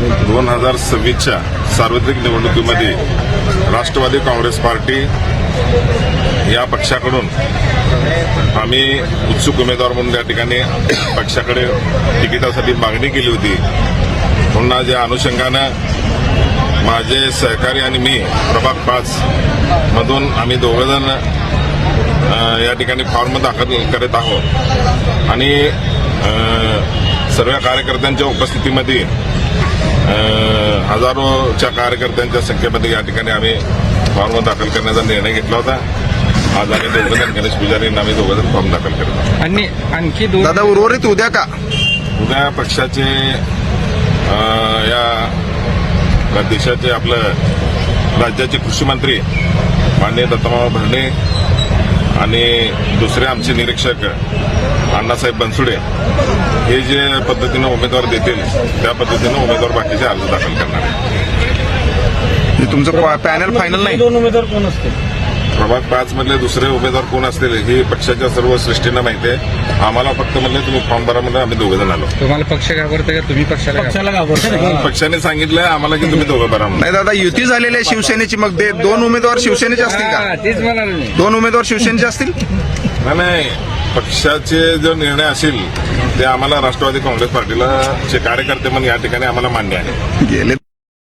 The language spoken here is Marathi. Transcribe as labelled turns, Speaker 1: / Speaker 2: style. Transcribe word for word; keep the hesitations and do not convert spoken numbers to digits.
Speaker 1: दोन हजार सव्वीसच्या सार्वत्रिक निवडणुकीमध्ये राष्ट्रवादी काँग्रेस पार्टी या पक्षाकडून आम्ही उत्सुक उमेदवार म्हणून त्या ठिकाणी पक्षाकडे तिकिटासाठी मागणी केली होती. पुन्हा ज्या अनुषंगानं माझे सहकारी आणि मी प्रभाग पाच मधून आम्ही दोघंजण या ठिकाणी फॉर्म दाखल करत आहोत आणि सर्व कार्यकर्त्यांच्या उपस्थितीमध्ये हजारोच्या कार्यकर्त्यांच्या संख्येमध्ये या ठिकाणी आम्ही फॉर्म दाखल करण्याचा निर्णय घेतला होता. आज आम्ही दोघंजण गणेश पुजारी यांना आम्ही दोघंजण फॉर्म दाखल करत आहोत.
Speaker 2: आणि आणखी दोन
Speaker 3: दादा उर्वरित उद्या का
Speaker 1: उद्या पक्षाचे या देशाचे आपलं राज्याचे कृषी मंत्री माननीय दत्तमामा भरणे आणि दुसरे आमचे निरीक्षक अण्णासाहेब बनसुडे हे जे पद्धतीनं उमेदवार देतील त्या पद्धतीनं उमेदवार बाकीचे अर्ज दाखल करणार आहे.
Speaker 3: तुमचं पॅनल फायनल नाही.
Speaker 4: दोन उमेदवार कोण असतील?
Speaker 1: प्रभाग पाच मधले दुसरे उमेदवार कोण असतील हे पक्षाच्या सर्व सृष्टीनं माहिती आहे. आम्हाला फक्त म्हणले तुम्ही फॉर्म भरा म्हणजे आम्ही दोघं जण आलो.
Speaker 2: तुम्हाला पक्ष घाबरते का तुम्ही पक्षाला
Speaker 4: पक्षाला घाबरते.
Speaker 1: पक्षाने सांगितलंय आम्हाला की तुम्ही दोघं भरा म्हणून.
Speaker 3: नाही दादा युती झालेली आहे शिवसेनेची, मग ते दोन उमेदवार शिवसेनेचे असतील
Speaker 2: हा,
Speaker 3: का?
Speaker 2: तेच म्हणाले मी.
Speaker 3: दोन उमेदवार शिवसेनेचे असतील.
Speaker 1: नाही नाही पक्षाचे जो निर्णय असेल ते आम्हाला राष्ट्रवादी काँग्रेस पार्टीला चे कार्यकर्ते म्हणून या ठिकाणी आम्हाला मान्य आहे.
Speaker 3: गेले